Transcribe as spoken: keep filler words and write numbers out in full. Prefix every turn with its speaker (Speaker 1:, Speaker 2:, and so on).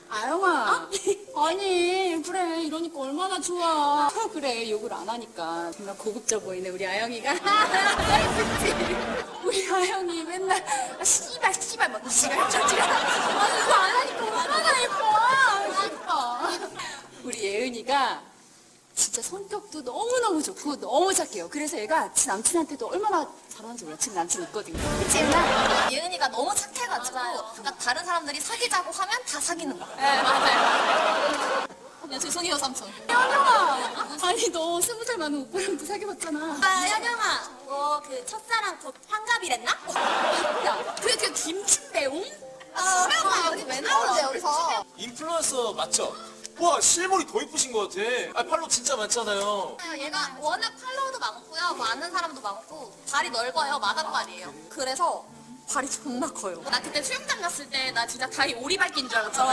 Speaker 1: 아영아. 아니 그래 이러니까 얼마나 좋아. 그래 욕을 안 하니까 정말 고급져 보이네 우리 아영이가. 그치? 우리 아영이 맨날 아, 씨발 씨발 막 씨발 저지가. 아니 그거 안 하니까 얼마나 예뻐. 예뻐. 우리 예은이가 진짜 성격도 너무너무 좋고 너무 착해요. 그래서 얘가 지 남친한테도 얼마나 잘하는지 몰라. 지금 남친 있거든요. 그치 예은아?
Speaker 2: 예은이가 너무 착해가지고 그러니까 다른 사람들이 사귀자고 하면 다 사귀는 거야.
Speaker 1: 네 맞아요.
Speaker 2: 야 죄송해요 삼촌.
Speaker 1: 현영아. 아니 너 스무 살 많은 오빠랑도 사귀어봤잖아.
Speaker 2: 아 현영아 너 그 첫사랑 곧 환갑이랬나?
Speaker 1: 야 그게 그 김치배웅?
Speaker 2: 아 여기 왜 나오는데 여기서?
Speaker 3: 인플루언서 맞죠? 와 실물이 더 이쁘신 것 같아. 아 팔로 진짜 많잖아요.
Speaker 2: 얘가 워낙 팔로워도 많고요. 뭐 아는 사람도 많고 발이 넓어요. 마당발이에요. 그래서 발이 존나 커요. 나 그때 수영장 갔을 때 나 진짜 다리 오리발기인 줄 알았잖아.